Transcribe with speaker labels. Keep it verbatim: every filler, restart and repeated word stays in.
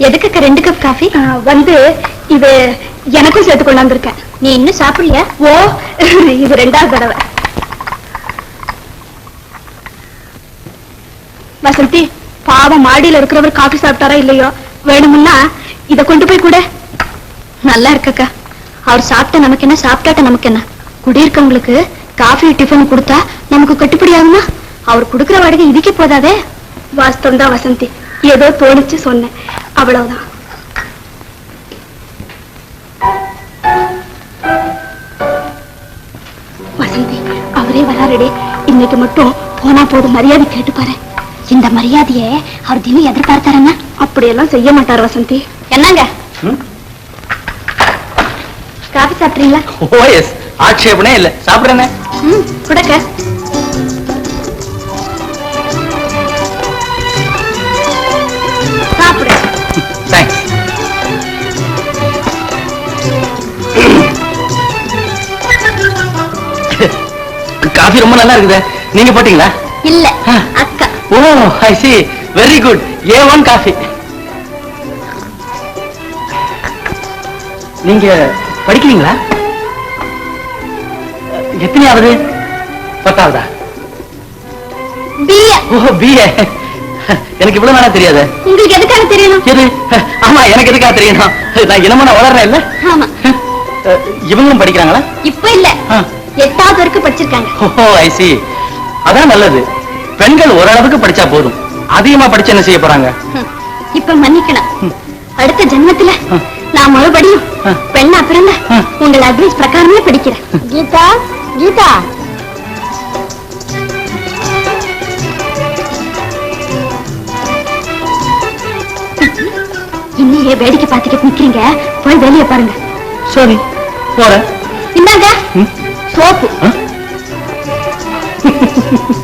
Speaker 1: எதுக்கு ரெண்டு cup coffee? வந்து இது எனக்கும் சேர்த்து கொண்டாந்துருக்கேன். நீ இன்னும் சாப்பிடலையா? ஓ, இது ரெண்டாவது தடவை. வசந்தி, பாவம் மாடியில இருக்கிறவர் காஃபி சாப்பிட்டாரா இல்லையோ, வேணும்னா இத கொண்டு போய் கூட. நல்லா இருக்கக்கா. அவர் சாப்பிட்ட நமக்கு என்ன, சாப்பிட்டாட்ட நமக்கு என்ன? குடியிருக்கவங்களுக்கு காஃபி டிஃபன் கொடுத்தா நமக்கு கட்டுப்படி ஆகுமா? அவர் கொடுக்கிற வாடகை இதுக்கே போதாதே. வாஸ்தவம் தான் வசந்தி, ஏதோ தோணிச்சு சொன்னேன், அவ்வளவுதான். வசந்தி, அவரே வராருடே. இன்னைக்கு மட்டும் போனா போதும், மரியாதை கேட்டு பாரு. இந்த மரியாதையை அவர் தினம் எதிர்பார்த்தாருங்க. அப்படியெல்லாம் செய்ய மாட்டார் வசந்தி. என்னங்க காபி சாப்பிடுறீங்களா?
Speaker 2: ஓ எஸ், ஆட்சேபனே இல்ல, சாப்பிடுறேனே.
Speaker 1: ம், குடக்க. சாப்பிடு.
Speaker 2: தேங்க்ஸ். காஃபி ரொம்ப நல்லா இருக்குது. நீங்க போட்டீங்களா?
Speaker 1: இல்ல, அக்கா.
Speaker 2: Oh I see, very good. ஏ ஒன் காஃபி. நீங்க படிக்கிறீங்களா? எத்தனையாவது? பத்தாவதா?
Speaker 1: பிஏ.
Speaker 2: Oh BA. எனக்கு இவ்வளவு நாளா தெரியாது.
Speaker 1: உங்களுக்கு எதுக்காக தெரியணும்?
Speaker 2: எது? ஆமா, எனக்கு எதுக்காக தெரியணும்? நான் இனமா நான் வளர்றேன் இல்ல?
Speaker 1: ஆமா.
Speaker 2: இவங்களும் படிக்கிறாங்களா?
Speaker 1: இப்ப இல்ல, எட்டாவது வரைக்கும் படிச்சிருக்காங்க.
Speaker 2: Oh I see. அதான் நல்லது. பெண்கள் ஓரளவுக்கு படிச்சா போதும், அதிகமா படிச்சு என்ன செய்ய போறாங்க?
Speaker 1: இப்ப மன்னிக்கணும், அடுத்த ஜென்மத்துல நான் மறுபடியும் பெண்ணா பிறந்த உங்கள் அட்வைஸ் பிரகாரமே படிக்கிறேன். கீதா, கீதா. இன்னையே வேடிக்கை பார்த்துக்கிட்டு நிக்கிறீங்க, போய் வெளியே பாருங்க.
Speaker 2: சரி, போறேன்.
Speaker 1: இந்தாங்க சோப்பு.